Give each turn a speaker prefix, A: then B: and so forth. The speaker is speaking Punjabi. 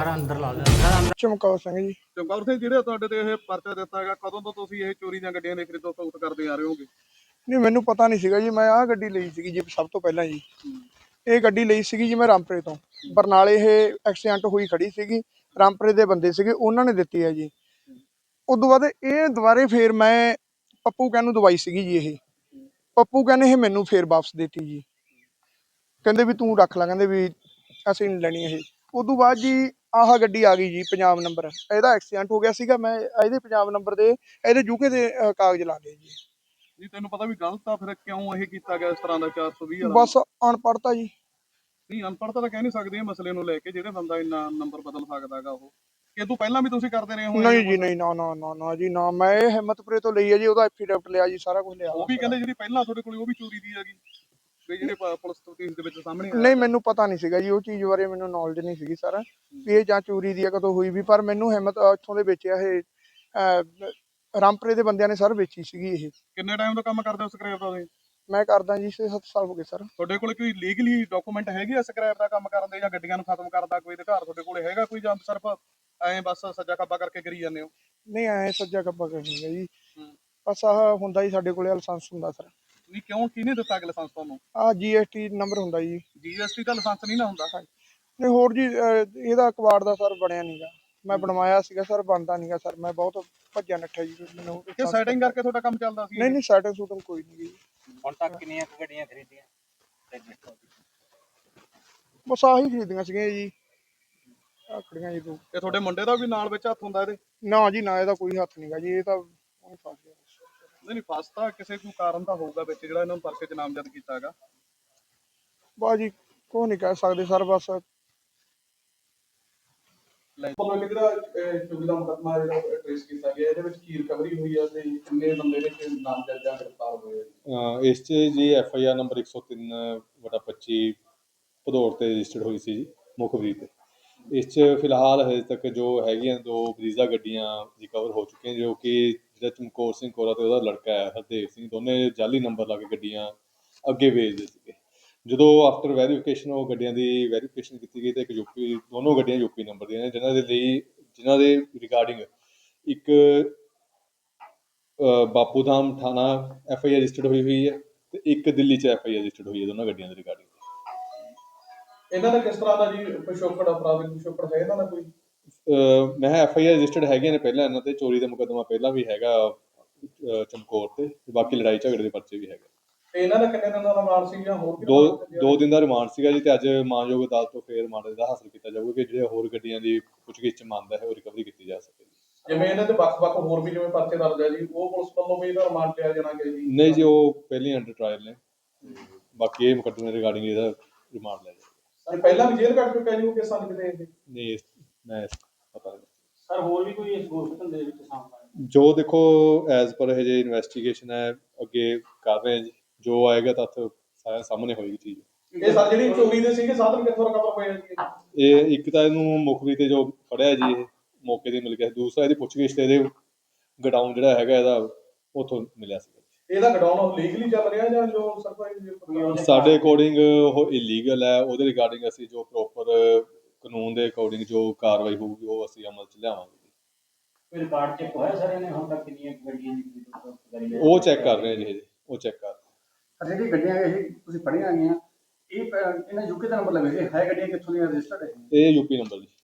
A: ਬਾਹਰ ਅੰਦਰ ਲਾ ਦਿੰਦਾ ਅੰਦਰ।
B: ਚਮਕੌਰ ਸਿੰਘ ਜੀ।
C: ਚਮਕੌਰ ਸਿੰਘ, ਜਿਹੜੇ ਤੁਹਾਡੇ ਤੇ ਇਹ ਪਰਚਾ ਦਿੱਤਾ ਹੈਗਾ, ਕਦੋਂ ਤੋਂ ਤੁਸੀਂ ਇਹ ਚੋਰੀ ਦੀਆਂ ਗੱਡੀਆਂ ਦੀ ਖਰੀਦੋ ਫਰੋਖਤ ਕਰਦੇ ਆ ਰਹੇ ਹੋਗੇ?
B: ਨਹੀਂ, ਮੈਨੂੰ ਪਤਾ ਨਹੀਂ ਸੀਗਾ ਜੀ। ਮੈਂ ਆਹ ਗੱਡੀ ਲਈ ਸੀਗੀ ਜੀ ਸਭ ਤੋਂ ਪਹਿਲਾਂ ਜੀ। ਇਹ ਗੱਡੀ ਲਈ ਸੀਗੀ ਜੀ ਮੈਂ ਰਾਮਪੁਰੇ ਤੋਂ। ਬਰਨਾਲੇ ਇਹ ਐਕਸੀਡੈਂਟ ਹੋਈ ਖੜੀ ਸੀਗੀ, ਰਾਮਪੁਰੇ ਦੇ ਬੰਦੇ ਸੀਗੇ, ਉਹਨਾਂ ਨੇ ਦਿੱਤੀ ਹੈ ਜੀ। ਉਦੋਂ ਬਾਅਦ ਇਹ ਦੁਬਾਰੇ ਫੇਰ ਮੈਂ ਪੱਪੂ ਕਹਿਣ ਨੂੰ ਦਵਾਈ ਸੀਗੀ ਜੀ। ਇਹ ਪੱਪੂ ਕਹਿੰਦੇ ਇਹ ਮੈਨੂੰ ਫੇਰ ਵਾਪਸ ਦਿੱਤੀ ਜੀ। ਕਹਿੰਦੇ ਵੀ ਤੂੰ ਰੱਖ ਲੈ, ਕਹਿੰਦੇ ਵੀ ਅਸੀਂ ਨਹੀਂ ਲੈਣੀ ਇਹ। ਉਦੋਂ ਬਾਅਦ ਜੀ ਆਹ ਗੱਡੀ ਆ ਗਈ ਜੀ, ਪੰਜਾਬ ਨੰਬਰ। ਇਹਦਾ ਐਕਸੀਡੈਂਟ ਹੋ ਗਿਆ ਸੀਗਾ, ਮੈਂ ਇਹਦੇ ਪੰਜਾਬ ਨੰਬਰ ਦੇ ਇਹਦੇ ਯੂਕੇ ਦੇ ਕਾਗਜ਼ ਲਾ ਲਏ ਜੀ।
C: ਜੀ ਤੈਨੂੰ ਪਤਾ ਵੀ ਗਲਤ ਆ, ਫਿਰ ਕਿਉਂ ਇਹ ਕੀਤਾ ਗਿਆ ਇਸ ਤਰ੍ਹਾਂ ਦਾ 420 ਵਾਲਾ?
B: ਬਸ ਅਨਪੜ੍ਹਤਾ ਜੀ।
C: ਨਹੀਂ, ਅਨਪੜ੍ਹਤਾ ਤਾਂ ਕਹਿ ਨਹੀਂ ਸਕਦੇ ਇਹ ਮਸਲੇ ਨੂੰ ਲੈ ਕੇ, ਜਿਹੜੇ ਬੰਦਾ ਇੰਨਾ ਨੰਬਰ ਬਦਲ ਸਕਦਾ ਹੈਗਾ ਉਹ। ਇਹ ਤੋਂ ਪਹਿਲਾਂ ਵੀ ਤੁਸੀਂ ਕਰਦੇ ਰਹੇ ਹੋ?
B: ਨਹੀਂ ਜੀ, ਨਹੀਂ, ਨਾ ਨਾ ਨਾ ਨਾ ਜੀ ਨਾ। ਮੈਂ ਇਹ ਹਿੰਮਤਪੁਰੇ ਤੋਂ ਲਈ ਹੈ ਜੀ, ਉਹਦਾ ਐਫੀਡੈਵਿਟ ਲਿਆ ਜੀ, ਸਾਰਾ ਕੁਝ ਲਿਆ।
C: ਉਹ ਵੀ ਕਹਿੰਦੇ ਜਿਹੜੀ ਪਹਿਲਾਂ ਤੁਹਾਡੇ ਕੋਲ ਉਹ ਵੀ ਚੋਰੀ ਦੀ ਹੈਗੀ, ਵੀ ਜਿਹੜੇ ਪੁਲਿਸ ਤਫਤੀਸ਼ ਦੇ ਵਿੱਚ ਸਾਹਮਣੇ ਆਇਆ?
B: ਨਹੀਂ, ਮੈਨੂੰ ਪਤਾ ਨਹੀਂ ਸੀਗਾ ਜੀ, ਉਹ ਚੀਜ਼ ਬਾਰੇ ਮੈਨੂੰ ਨੌਲੇਜ ਨਹੀਂ ਸੀਗੀ ਸਾਰਾ ਵੀ ਇਹ ਜਾਂ ਚੋਰੀ ਦੀ ਆ ਕਦੋਂ ਹੋਈ ਵੀ। ਪਰ ਮੈਨੂੰ ਹਿੰਮਤ ਇੱਥੋਂ ਦੇ ਵੇਚਿਆ ਇਹ ਰਾਮਪੁਰੇ ਦੇ ਬੰਦਿਆਂ ਨੇ ਸਰ ਵੇਚੀ ਸੀਗੀ ਇਹ।
C: ਕਿੰਨੇ ਟਾਈਮ ਤੋਂ ਕੰਮ ਕਰਦੇ ਹੋ ਸਕ੍ਰੈਪ ਦਾ ਤੁਸੀਂ?
B: ਮੈਂ ਕਰਦਾ ਜੀ 6-7 ਸਾਲ ਹੋ ਗਏ ਸਰ।
C: ਤੁਹਾਡੇ ਕੋਲ ਕੋਈ ਲੀਗਲੀ ਡਾਕੂਮੈਂਟ ਹੈਗੇ ਆ ਸਕ੍ਰੈਪ ਦਾ ਕੰਮ ਕਰਨ ਦੇ, ਜਾਂ ਗੱਡੀਆਂ ਨੂੰ ਖਤਮ ਕਰਨ ਦਾ ਕੋਈ ਅਧਿਕਾਰ ਤੁਹਾਡੇ ਕੋਲ ਹੈਗਾ ਕੋਈ, ਜਾਂ ਸਿਰਫ ਐਂ ਬਸ ਸੱਜਾ ਖੱਬਾ ਕਰਕੇ ਕਰੀ ਜਾਂਦੇ ਹੋ?
B: ਨਹੀਂ, ਐ ਸੱਜਾ ਕੱਬਾ ਕਰਨੀਗਾ ਜੀ। ਬਸ ਆਹ ਹੁੰਦਾ ਜੀ ਸਾਡੇ ਕੋਲੇ ਲਾਇਸੈਂਸ ਹੁੰਦਾ ਸਰ।
C: ਨਹੀਂ, ਕਿਉਂ ਕਿਹਨੇ ਦਿੱਤਾ ਕਿ ਲਾਇਸੈਂਸ ਤੁਹਾਨੂੰ?
B: ਆਹ GST ਨੰਬਰ ਹੁੰਦਾ ਜੀ।
C: GST ਦਾ ਲਾਇਸੈਂਸ ਨਹੀਂ ਨਾ ਹੁੰਦਾ?
B: ਨਹੀਂ, ਹੋਰ ਜੀ ਇਹਦਾ ਕਬਾੜ ਦਾ ਸਰ ਬਣਿਆ ਨਹੀਂਗਾ। ਮੈਂ ਬਣਵਾਇਆ ਸੀਗਾ ਸਰ, ਬਣਦਾ ਨਹੀਂਗਾ ਸਰ। ਮੈਂ ਬਹੁਤ ਭੱਜਿਆ ਨੱਠਿਆ ਜੀ, ਮੈਨੂੰ
C: ਕਿ ਸੈਟਿੰਗ ਕਰਕੇ ਤੁਹਾਡਾ ਕੰਮ ਚੱਲਦਾ ਸੀ?
B: ਨਹੀਂ ਨਹੀਂ, ਸੈਟਿੰਗ ਸੂਟਿੰਗ ਕੋਈ ਨਹੀਂ ਜੀ।
A: ਹੁਣ ਤੱਕ ਕਿੰਨੀਆਂ ਗੱਡੀਆਂ ਖਰੀਦੀਆਂ?
B: ਬਸ ਆਹੀ ਖਰੀਦੀਆਂ ਸੀਗੀਆਂ ਜੀ, ਆਖੜੀਆਂ ਜੀ ਦੋ।
C: ਇਹ ਤੁਹਾਡੇ ਮੁੰਡੇ ਦਾ ਵੀ ਨਾਲ ਵਿੱਚ ਹੱਥ ਹੁੰਦਾ ਇਹਦੇ?
B: ਨਾ ਜੀ ਨਾ, ਇਹਦਾ ਕੋਈ ਹੱਥ ਨਹੀਂਗਾ ਜੀ। ਇਹ ਤਾਂ ਉਹਨੇ ਫਸ ਗਿਆ।
C: ਨਹੀਂ, ਫਸ ਤਾਂ ਕਿਸੇ ਕੋਈ ਕਾਰਨ ਤਾਂ ਹੋਊਗਾ ਵਿੱਚ, ਜਿਹੜਾ ਇਹਨਾਂ ਨੂੰ ਪਰਚੇ 'ਚ ਨਾਮਜ਼ਦ ਕੀਤਾ ਹੈਗਾ।
B: ਬਸ ਜੀ ਕੋਈ ਨਹੀਂ ਕਹਿ ਸਕਦੇ ਸਰ। ਬਸ
C: ਜਿਹੜਾ ਚੋਰੀ ਦਾ ਮੁਕੱਦਮਾ ਜਿਹੜਾ ਟ੍ਰੇਸ ਕੀਤਾ ਗਿਆ, ਇਹਦੇ ਵਿੱਚ ਕੀ ਰਿਕਵਰੀ ਹੋਈ ਹੈ ਤੇ ਕਿੰਨੇ ਬੰਦੇ ਨੇ ਨਾਮਜ਼ਦ ਜਾਂ ਗ੍ਰਿਫਤਾਰ ਹੋਏ?
D: ਇਸ 'ਚ ਜੀ FIR ਨੰਬਰ 103/25 ਭਦੌੜ ਤੇ ਰਜਿਸਟਰਡ ਹੋਈ ਸੀ ਜੀ, ਮੁਖਬਰੀ ਤੇ। ਇਸ 'ਚ ਫਿਲਹਾਲ ਹਜੇ ਤੱਕ ਜੋ ਹੈਗੀਆਂ 2 ਬਰੀਜ਼ਾ ਗੱਡੀਆਂ ਰਿਕਵਰ ਹੋ ਚੁੱਕੀਆਂ, ਜੋ ਕਿ ਜਿਹੜਾ ਚਮਕੌਰ ਸਿੰਘ ਕੋਰਾ ਤੇ ਉਹਦਾ ਲੜਕਾ ਹੈ ਹਰਦੇਵ ਸਿੰਘ, ਦੋਨੇ ਜਾਲੀ ਨੰਬਰ ਲਾ ਕੇ ਗੱਡੀਆਂ ਅੱਗੇ ਵੇਚਦੇ ਸੀਗੇ। ਜਦੋਂ ਆਫਟਰ ਵੈਰੀਫਿਕੇਸ਼ਨ ਉਹ ਗੱਡੀਆਂ ਦੀ ਵੈਰੀਫਿਕੇਸ਼ਨ ਕੀਤੀ ਗਈ ਤਾਂ ਇੱਕ ਯੂਪੀ, ਦੋਨੋਂ ਗੱਡੀਆਂ ਯੂਪੀ ਨੰਬਰ ਦੀਆਂ ਨੇ, ਜਿਨ੍ਹਾਂ ਦੇ ਰਿਗਾਰਡਿੰਗ ਇੱਕ ਬਾਪੂ ਧਾਮ ਥਾਣਾ FIR ਰਜਿਸਟਰਡ ਹੋਈ ਹੈ ਤੇ ਇੱਕ ਦਿੱਲੀ 'ਚ FIR ਰਜਿਸਟਰਡ ਹੋਈ ਹੈ, ਦੋਨਾਂ ਗੱਡੀਆਂ ਦੇ ਰਿਗਾਰਡਿੰਗ।
C: ਇਹਨਾਂ ਦਾ ਕਿਸ ਤਰ੍ਹਾਂ ਦਾ ਜੀ ਪਿਛੋਕੜ, ਅਪਰਾਧਿਕ ਪਿਛੋਕੜ ਹੈ ਇਹਨਾਂ ਦਾ ਕੋਈ?
D: ਮੈਂ FIR ਰਜਿਸਟਰਡ ਹੈਗੀਆਂ ਨੇ ਪਹਿਲਾਂ ਇਹਨਾਂ ਤੇ, ਚੋਰੀ ਦਾ ਮੁਕੱਦਮਾ ਪਹਿਲਾਂ ਵੀ ਹੈਗਾ ਚਮਕੌਰ ਤੇ, ਬਾਕੀ ਲੜਾਈ ਝਗੜੇ ਦੇ ਪਰਚੇ ਵੀ ਹੈਗੇ।
C: ਤੇ ਇਹਨਾਂ ਦਾ ਕਿੰਨੇ ਦਿਨਾਂ ਦਾ ਰਿਮਾਂਡ ਸੀ ਜਾਂ ਹੋਰ?
D: 2 ਦਿਨ ਦਾ ਰਿਮਾਂਡ ਸੀਗਾ ਜੀ, ਤੇ ਅੱਜ ਮਾਨਯੋਗ ਅਦਾਲਤ ਤੋਂ ਫੇਰ ਰਿਮਾਂਡ ਦਾ ਹਾਸਲ ਕੀਤਾ ਜਾਊਗਾ ਕਿ ਜਿਹੜੇ ਹੋਰ ਗੱਡੀਆਂ ਦੀ ਪੁੱਛਗਿੱਛ 'ਚ ਮੰਨਦਾ ਹੈ ਉਹ ਰਿਕਵਰੀ ਕੀਤੀ ਜਾ ਸਕੇ।
C: ਜਿਵੇਂ ਇਹਨਾਂ ਦੇ ਵੱਖ-ਵੱਖ ਹੋਰ ਵੀ ਜਿਵੇਂ ਪਰਚੇ ਦਰਜ ਹੈ ਜੀ, ਉਹ ਪੁਲਿਸ ਵੱਲੋਂ ਵੀ ਇਹਦਾ ਰਿਮਾਂਡ ਲਿਆ ਜਾਣਾ ਕਿ ਜੀ?
D: ਨਹੀਂ ਜੀ, ਉਹ ਪਹਿਲੀ ਅੰਡਰ ਟ੍ਰਾਇਲ ਨੇ, ਬਾਕੀ ਇਹ ਮੁਕੱਦਮੇ ਰਿਗਾਰਡਿੰਗ ਇਹਦਾ ਰਿਮਾਂਡ ਲੈ ਜਾਊਗਾ।
C: ਪਹਿਲਾਂ ਵੀ ਜੇਲ੍ਹ ਕੱਟ ਚੁੱਕਿਆ ਜੀ ਉਹ ਕਿਸਾਂ ਦੇ ਕਿਤੇ?
D: ਨਹੀਂ, ਮੈਂ ਪਤਾ ਨਹੀਂ
A: ਸਰ ਹੋਰ ਵੀ ਕੋਈ ਇਸ ਗੋਸ਼ਤ ਧੰਦੇ ਦੇ ਵਿੱਚ ਸਾਹਮਣੇ?
D: ਜੋ ਦੇਖੋ ਐਜ਼ ਪਰ ਹਜੇ ਇਨਵੈਸਟੀਗੇਸ਼ਨ ਹੈ, ਅੱਗੇ ਕਰ ਰਹੇ ਜੀ, ਜੋ ਆਏਗਾ ਤੱਥ ਸਾਰਿਆਂ ਸਾਹਮਣੇ ਹੋਏਗੀ ਚੀਜ਼।
C: ਇਹ ਸਰ ਜਿਹੜੀ ਚੋਰੀ ਦੇ ਸੀਗੇ ਸਾਧਨ ਕਿੱਥੋਂ ਰਿਕਵਰ ਹੋਏ ਜੀ?
D: ਇਹ ਇੱਕ ਤਾਂ ਇਹਨੂੰ ਮੁਖਬਰੀ ਤੇ ਜੋ ਫੜਿਆ ਜੀ ਇਹ ਮੌਕੇ ਤੇ ਮਿਲ ਗਿਆ, ਦੂਸਰਾ ਇਹਦੀ ਪੁੱਛਗਿੱਛ ਤੇ ਇਹਦੇ ਗਡਾਊਨ ਜਿਹੜਾ ਹੈਗਾ ਇਹਦਾ ਉੱਥੋਂ ਮਿਲਿਆ ਸੀ।
C: ਇਹਦਾ ਗਡਾਊਨ ਲੀਗਲੀ ਚੱਲ ਰਿਹਾ ਜਾਂ ਜੋ ਸਰਕਾਰੀ?
D: ਸਾਡੇ ਅਕੋਰਡਿੰਗ ਉਹ ਇਲੀਗਲ ਹੈ, ਉਹਦੇ ਰਿਗਾਰਡਿੰਗ ਅਸੀਂ ਜੋ ਪ੍ਰੋਪਰ ਕਾਨੂੰਨ ਦੇ ਅਕੋਰਡਿੰਗ ਜੋ ਕਾਰਵਾਈ ਹੋਊਗੀ ਉਹ ਅਸੀਂ ਅਮਲ 'ਚ ਲਿਆਵਾਂਗੇ।
A: ਕੋਈ ਰਿਕਾਰਡ ਚੈੱਕ ਹੋਇਆ ਸਰ ਇਹਨੇ ਹੁਣ ਤੱਕ ਕਿੰਨੀਆਂ ਗੱਡੀਆਂ ਦੀ?
D: ਉਹ ਚੈੱਕ ਕਰ ਰਹੇ ਜੀ, ਉਹ ਚੈੱਕ ਕਰ ਰਹੇ।
E: ਜਿਹੜੀ ਗੱਡੀਆਂ ਇਹ ਤੁਸੀਂ ਫੜੀਆਂ ਗਈਆਂ, ਇਹ ਇਹਨਾਂ ਯੂਕੇ ਦਾ ਨੰਬਰ ਲੱਗੇ, ਇਹ ਹੈ ਗੱਡੀਆਂ ਕਿੱਥੋਂ ਦੀਆਂ ਰਜਿਸਟਰਡ ਹੈ?
D: ਇਹ ਯੂਪੀ ਨੰਬਰ ਜੀ।